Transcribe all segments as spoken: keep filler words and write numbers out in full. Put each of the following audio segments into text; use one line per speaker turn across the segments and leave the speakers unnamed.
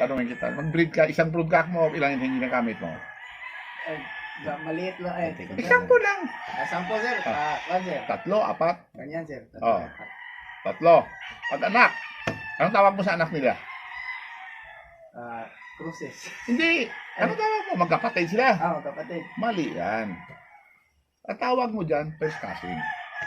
tatanungin kita. Mag-breed ka, isang broodcock mo, ilang yung ginagamit mo?
Eh, ga- maliit lang eh.
Isang po lang.
Ah, sampo sir. Ah, one sir.
Tatlo, apat,
Ganyan sir.
Oh. tatlo. Pag anak, anong tawag mo sa anak nila?
Ah, cruises.
Hindi. Ano tawag mo? Magkapatid sila.
Ah, kapatid.
Mali yan. Ang tawag mo dyan, first cousin.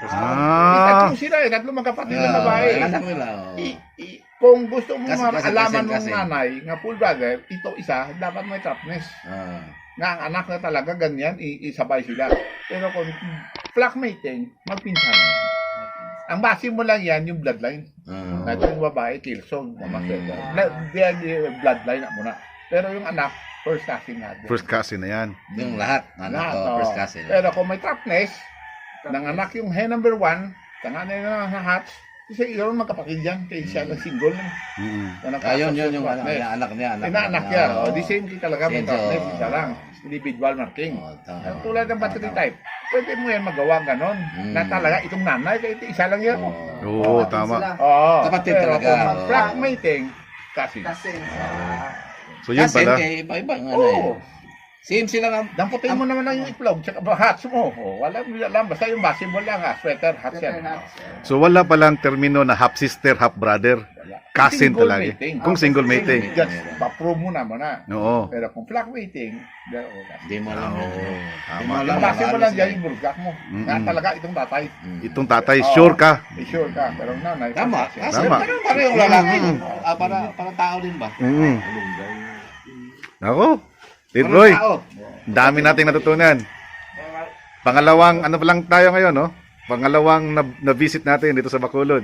Ah.
Tatlo sila eh. Tatlo magkapatid
Ah,
na babae.
anak nila. oh.
I- i- kung gusto mo
Kasi- kasi-
alaman
kasi-
ng
kasi.
nanay nga full brother, ito isa, dapat may trapness.
Ah.
Nga ang anak na talaga ganyan, i- isabay sila. Pero kung flock mating, magpinsan na yan. Ang base mo lang yan, yung bloodline.
Ah.
Na yung babae, Kilson, mama
Mm.
na, diyan yung bloodline na muna. Pero yung anak, first cousin nga. din.
First cousin na yan.
Yung lahat. Anak
Lahat,
ko,
oo.
first cousin.
Pero kung may trapness, ng anak yung hen number one, tanganay na na hatch, kasi yun magkapatid yan, kaya siya lang single.
Mm.
Ah, yun, yun, yung anak niya, anak niya. Anak,
Inaanak
niya.
yan. Oh, the same key talaga may
Same,
trapness,
so-
isa lang. Individual marking.
Oh, tama.
Ang tulad ng battery
Tama.
type, pwede mo yan magawa ganon.
Mm.
Na talaga, itong nanay, kaya ito isa lang yan.
Oh.
Oo,
Kapatid
tama.
sila.
Oo.
Kapatid
Pero
talaga,
kung
oo.
mag-flock mating, kasi.
Kasi. Ah,
So yun
Kasi
pala.
kay iba-iba ang ano
Oo.
eh. Same sila nga.
Damputin mo naman lang yung itlog, tsaka ba, hats mo. Oh, wala mo alam, basta yung base mo lang ha, sweater, hats yan.
Sweater, hats.
So wala palang termino na half sister, half brother. Cousin
Single
talaga.
mating.
Kung single mating.
Just, pa-prove mo naman na.
Oo.
Pero kung flock mating, there o
Hindi mo alam.
Oo,
yun.
tama.
Hindi mo alam.
yung base mo
ano
lang
sila
dyan
eh.
yung burgak mo.
Mm-mm.
Na talaga itong tatay.
Mm.
Itong tatay,
Oo.
sure ka?
Eh, sure ka, pero nanay.
Tama.
kasi-
Kasi
Tama.
parang parehong lalaki. Ah, para, para tao din ba?
Mm.
Alunggay.
Ako,
Parang
Tidroy,
tao.
dami nating natutunan. Pangalawang, ano pa lang tayo ngayon, no? Pangalawang na- na-visit natin dito sa Bacolod.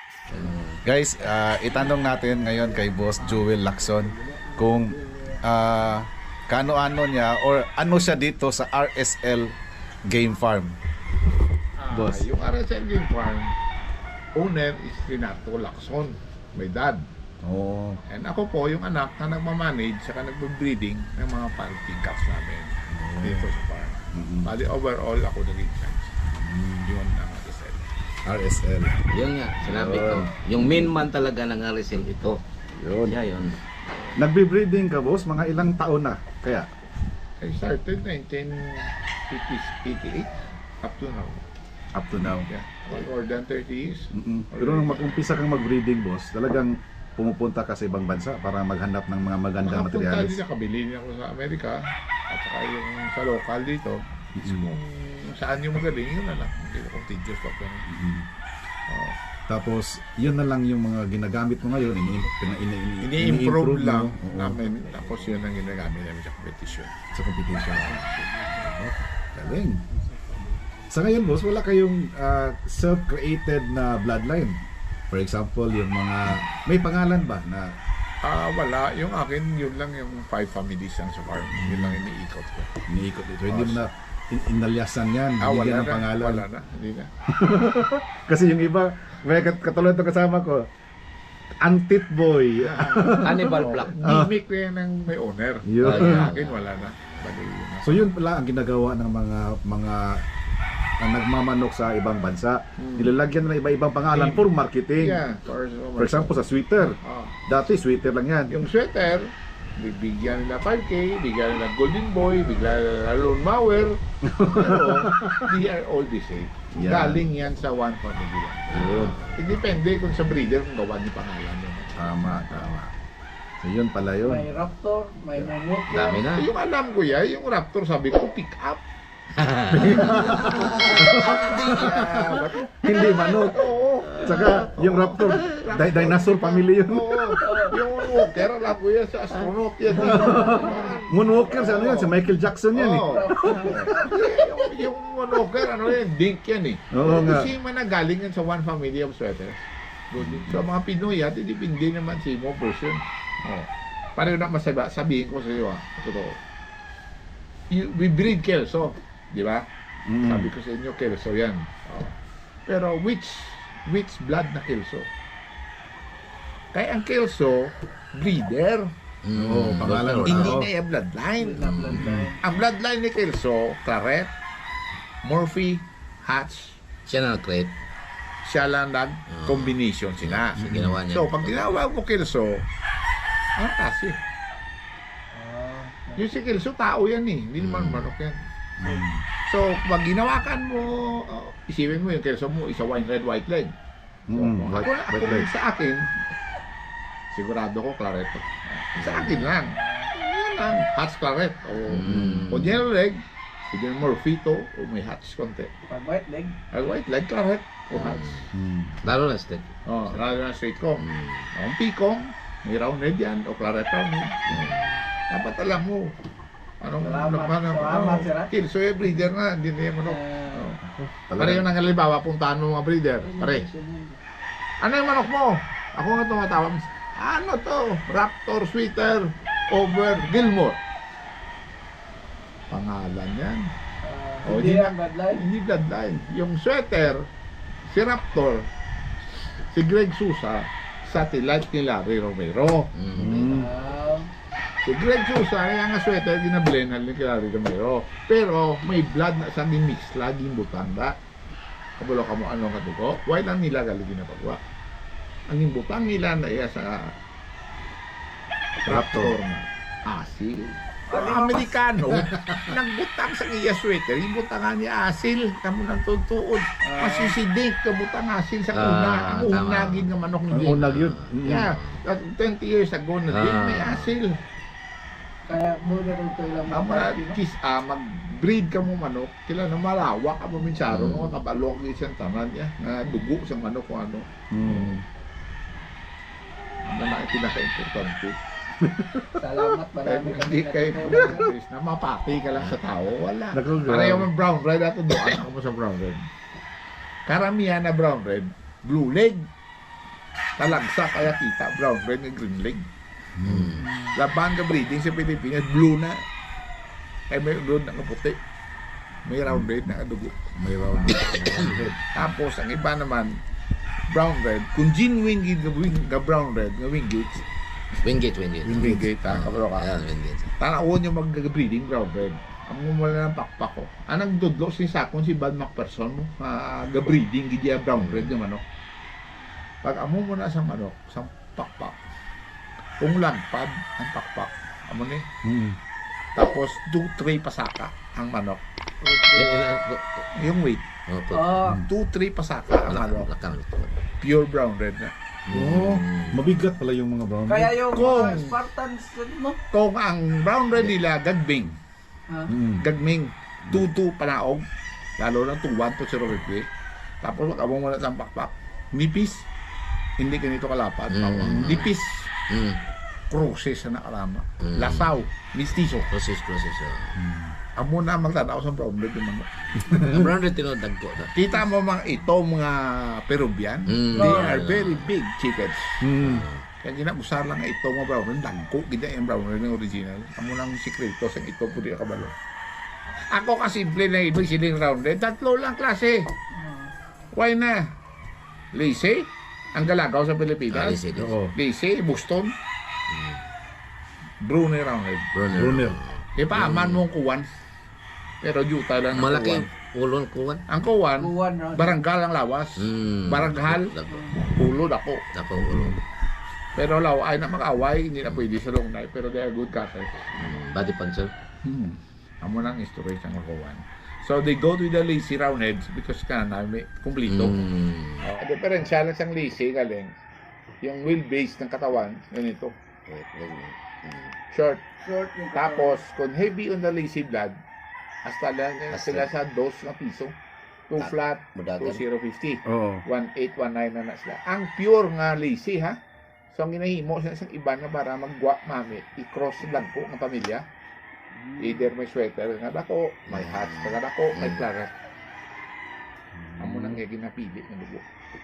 Guys, ah, itanong natin ngayon kay Boss Joel Lacson kung ah, kaano-ano niya or ano siya dito sa R S L Game Farm.
Ah,
Boss.
Yung R S L Game Farm, owner is Renato Lacson, my dad.
Oh.
And ako po, yung anak na nagmamanage saka nagbe-breeding ng mga parenting cats namin dito sa farm.
Mm-mm.
Bali, overall, ako naging charge. Yun ang R S L.
R S L.
Yun nga, sinabi ko. Yung main man talaga ng R S L ito.
Yun.
Yeah, yun.
Nagbe-breeding ka, boss, mga ilang taon na? Kaya?
I started nineteen eighty-eight up to now.
Up to now.
Yeah, more than thirty years.
Mm-mm. Pero nung mag-umpisa kang mag-breeding, boss, talagang pumupunta ka sa ibang bansa para maghanap ng mga magandang
Makapunta
materyales.
din nakabili niya ako sa Amerika at saka yung sa local dito.
Mm.
Kung saan yung magaling, yun na lang. Hindi ko contiguous pa. Pero,
Mm.
oh.
Tapos, yun na lang yung mga ginagamit mo ngayon, ini ini ini
Ini-improve lang
Oo,
namin. Tapos yun ang ginagamit namin sa competition.
sa competition. Oh, galing. Sa ngayon, boss, wala kayong ah, self-created na bloodline. For example, yung mga may pangalan ba na
Ah, wala. Yung akin, yun lang yung five families lang sa farm. Yun lang iniikot ko.
iniikot dito? Hindi mo na in inalyasan yan,
Ah, wala
binigyan ng
na.
pangalan.
Wala na. Hindi na.
Kasi yung iba, may kat- katulad to kasama ko, Antit Boy.
Hannibal
Oh,
Black.
gimmick na yan ng may owner.
Yun.
Ah, yung akin, wala na. Bali, yun na.
So yun pala ang ginagawa ng mga mga ang nagmamanok sa ibang bansa.
Hmm.
Nilalagyan na ng iba-ibang pangalan for marketing.
Yeah, for,
For example, sa sweater.
Ah.
Dati sweater lang yan.
Yung sweater, bibigyan nila five K, bigyan nila Golden Boy, bigyan nila Lone Mower. Pero, they are all the same.
Yeah.
Galing yan sa one family lang.
Yun.
Depende kung sa breeder kung gawa ni pangalan yun.
Tama, tama. So yun pala yun.
may raptor, may mammoth.
Dami na.
Yung alam ko yan, yung Raptor sabi ko, pick up.
Hindi manok.
Oo.
Saka yung raptor, di- dinosaur family yun.
Oo. Yung Walker, alam ko yan sa astronaut yan.
Moonwalker, sa ano yan? Si Michael Jackson yan eh.
Oo. yung, yung Walker, ano yan, dink yan eh.
Oo nga.
Kasi man nagaling yan sa one family of sweaters. Good. So mga Pinoy, at depende naman sa mo person. Oh. Pareho na masaba, sabihin ko sa iyo ah, totoo. You- We breed Kelso, di ba?
Mm.
Sabi ko sa inyo, Kelso yan. Oh. Pero which which blood na Kelso? Kaya ang Kelso, breeder.
Oo,
Mm,
pangalan.
doctor.
Hindi
Oo.
na yung bloodline.
Bloodline.
Ang bloodline ni Kelso, Claret, Murphy, Hatch,
Siya na nag-create.
siya lang nag-combination sila.
So, ginawa niya.
So, pag tinawag mo Kelso, Ah, kasi.
Ah,
Yung si Kelso, tao yan eh. Hindi naman
Mm.
manok yan.
Mm.
So, pag ginawakan mo, oh, isipin mo yung Kelso mo, isa wine red, white leg. So,
Mm,
kung
white-
ako,
white
ako
leg.
sa akin, sigurado ko clareto. Sa akin lang. Yan lang. Hatch claret. O,
Mm.
o yellow leg, sige morfito, o may hatch konti.
pag white leg,
Ay, white leg, claret, o hatch.
Mm.
Lalo na steak.
Oh, lalo na straight ko.
Mm.
Ang pikong, may round red yan, o claret round red. Dapat alam mo. Anong
Salamat.
ano,
Salamat, sir, ah.
Kelso yung breeder na, hindi na yung manok.
ah,
Oh. Pare yung nangalibawa, puntahan mo mga breeder. Pare, ano yung manok mo? Ako nga tumatawag. Ano to? Raptor Sweater over Gilmore. Pangalan yan.
ah,
Oh,
hindi
di-
ang bloodline.
Hindi bloodline. Yung sweater, si Raptor, si Greg Sousa, satellite ni Larry Romero.
Mm.
Mm.
Ah,
Si Greg Sousa, yung nga sweater, ginablenan ni Larry Romero. Pero may blood na sa mix laging butanda. Kabalo ka mo anong katuko? Why lang nila galing ginapagwa? Ang imbutang nila na iya sa Raptor na asil. Ang Amerikano, nagbutang sa iya sweater, yung butangan niya asil, kamo nang tutuod. Masisidik, kabutang asil sa una.
Ah,
Ang
tama.
unagin nga manok
Ang
ni
unag yun. Mm.
Yeah, that twenty years ago na din,
Ah.
may asil.
kaya muna rin ito ilang
Ang mga
Pilipino.
kis, ah, mag-breed ka mo manok, kila na malawak ka mo minsyaro,
Mm.
mga kabalok ng isang tanan niya, na dugo sa manok kung ano.
Mm.
Ano na ang pinaka-importante.
Salamat,
Kaya
marami
hindi
kami
kayo
natutunan.
Chris, na mapati ka lang sa tao, wala.
Naku,
Pareho
grabe.
ng brown red, ato doon ako mo sa brown red. Karamihan na brown red, blue leg. Talagsa kaya kita, brown red na green leg.
Mm.
Laban ka breeding sa Pilipinas, blue na. Ay may blue na kaputi. May round red na kadugo.
May round.
Tapos ang iba naman, brown red. Kung genuine gid nga wing- nga brown red, nga wingate,
Wingate, wingate.
wingate ha, kabalo ka.
Ayan, wingate.
Tanawon yung mag-breeding brown red. Ang mumula ng pakpak ko. Anang dudlo si Sakon si Bad McPherson mo, uh, ga-breeding gid ya brown red yung manok. Pag amo mo na sa manok, sa pakpak. Kung lagpad ang pakpak, amo ni.
Mm.
Tapos two three pasaka ang manok.
Yan, yan, yan.
Yung weight,
Oh, po.
Ah,
two three pasaka ang
Lakan,
manok.
lakan.
Pure brown red na.
Oh,
Mm.
mabigat pala yung mga brown.
kaya yung
Kung-
mga Spartans, no?
Kung ang brown red nila gagbing,
Ah,
Mm.
gagming, two two panaog, lalo na two one to zero fifty. Tapos wag mo muna sa pakpak. Nipis, hindi ganito kalapad.
Mm.
Nipis,
Mm.
cruces na nakarama.
Mm.
Lasaw, mistiso.
Process, process. oh.
Amo na magtanaw sa brown red yung manok.
Ang brown red tinodag ko na.
Kita mo mga ito mga Peruvian,
Mm.
they
Oh.
are very big chickens.
Mm.
Kaya ginabusar lang nga ito mga brown red, dangko, gina yung brown red ng original. Amo lang sikreto sa ito po di kabalo. Ako kasimple na ibig siling round red, tatlo lang klase.
ah,
Why na? Lise, ang galagaw sa
Ah,
Pilipinas.
lisi, lisi.
Oo.
Lise, Boston, Brunei round red.
Brunner.
Brunner.
Ipaaman mo ang kuwan. Pero juta lang ang
Malaki
kuwan.
ulon kuwan.
Ang kuwan,
kuwan, no?
baranggal ang lawas.
Mm.
Baranghal,
Dako.
ulod ako.
Dako ulon.
Pero law ay na mag-away, hindi na pwede sa long night. Pero they are good cutters.
Mm. Body puncher.
Hmm. Amo nang story sa kuwan. So they go to the lazy roundheads because ka na may kumplito.
Mm.
Oh, ang diferensya lang siyang lazy galing. Yung wheelbase ng katawan, ganito.
Mm.
Short.
Short yung
Tapos, kung heavy on the lazy blood, hasta lang yan
Hasta.
sila sa dos na piso. two
Ah,
flat,
Budagan.
two zero fifty.
Oo.
one eight, one nine na na sila. Ang pure nga lazy, ha? So, ang ginahimo sa isang iba na para magwa mami, i-cross lang po ng pamilya. Either may sweater nga dako, may hats nga dako, may
Mm.
claret. Amo nang nga ginapili ng dugo.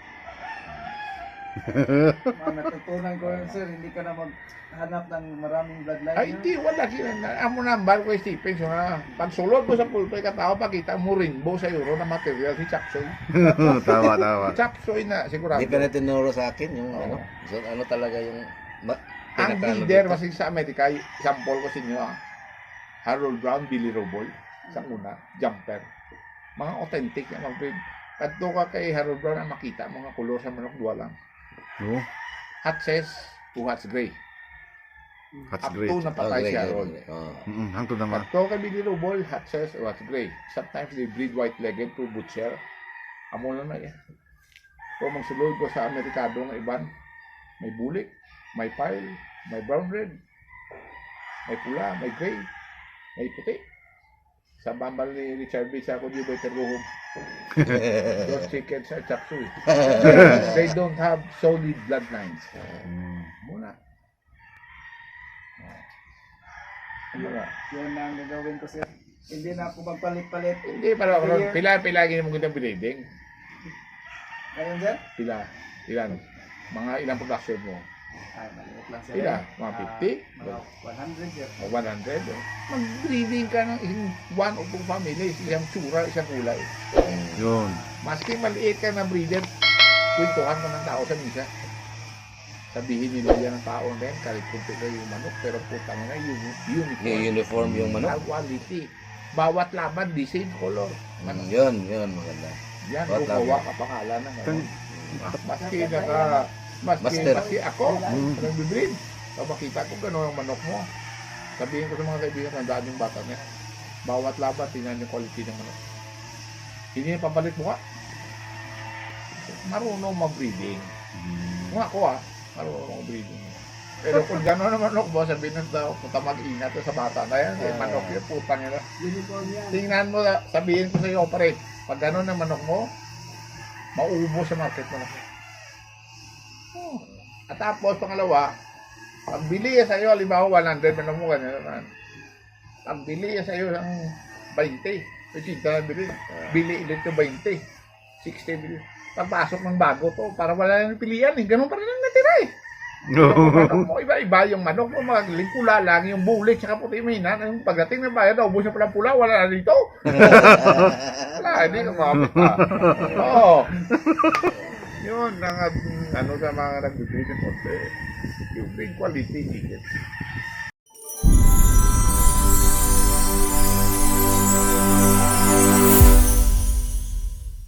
mga natutunan ko yun, sir, hindi ka na maghanap ng maraming bloodline.
Ay, hindi, wala sila. Amo na, bar ko Stephen, so na, pagsulod mo sa pulpe katao, pakita mo rainbow sa euro na material si Chapsoy.
Tama, tama.
Chapsoy na, sigurado.
Hindi ka na tinuro sa akin yung
Oo.
ano. So, ano talaga yung ma-
Ang
pinaka-
leader,
ano
kasi sa Amerika, sample ko sa inyo, ah. Harold Brown, Billy Roboy, sa una, jumper. Mga authentic na mga breed. Kadto ka kay Harold Brown ang makita, mga kulor sa manok, dua lang.
Oo.
Hot says, two hats gray.
Hatch
Up
gray.
to napatay
Okay,
siya
okay,
ron.
okay. Oh.
Mm, hangtod naman.
Pagto kami nilubol, hatches or hatch gray. Sometimes they breed white-legged to butcher. Amo na na yan. So magsulod ko sa Amerikado ng iban, may bulik, may pile, may brown red, may pula, may gray, may puti. Sa bambal ni Richard B. sa ako di ba iterbuhog. Those chickens are chop suey. They don't have solid bloodlines.
Mm.
Muna. Muna.
Yun ang gagawin ko, sir. Hindi na ako magpalit-palit.
Hindi, para ako, pila-pila gini mo gandang breeding.
Ngayon, sir?
Pila, ilan? Mga ilang production mo?
Ay, maliit lang, sir.
Pila?
eh.
Mga
Ah,
fifty?
mga one hundred, sir.
O one hundred? Oh. Mag-breeding ka ng isang one o two families, isang tsura, isang kulay.
Yun.
Maski maliit ka na breeder, kwentuhan mo ng tao sa misa. Sabihin nila yan ng tao na yan, kahit kunti na yung manok, pero putang na yung uniform.
Yung uniform yung manok.
Quality. Bawat laban, the same color.
Mm, yun, yun, maganda.
Yan,
Bawat
gumawa
laban.
ka pangalan ng ano.
Tan-
Maski naka, maski,
Master.
maski ako,
Mm.
nagbibreed. So makita ko gano'n ang manok mo. Sabihin ko sa mga kaibigan, tandaan yung bata niya. Bawat laban, tingnan yung quality ng manok. Hindi yung papalit mo ka. Marunong mag-breeding. Kung ako ah, marunong mag-breeding. Pero kung gano'n ang manok mo, sabihin ng tao, punta mag-ingat sa bata na yan. Eh, manok yun, putang nila.
Uniform yan.
Tingnan mo, sabihin ko sa iyo, pare, pag gano'n ang manok mo, mauubos sa market mo na. Oh. At tapos, pangalawa, pag bili sa iyo, halimbawa one hundred, manok mo ganyan naman. Pag bili sa iyo ng twenty, eighty na bili, bili ulit yung twenty, sixty bili. Pagpasok ng bago to, para wala nang pilihan eh, ganun pa rin ang natira eh. Yung manok mo, iba-iba yung manok mo, mga lingkula lang, yung bulik, tsaka puti mahina. Yung pagdating ng bayan, naubos na palang pula, wala na dito. Wala, hindi ka makapit pa. Oo. Yun, ang ano sa mga nag-breed ng konti. Yung big quality chicken.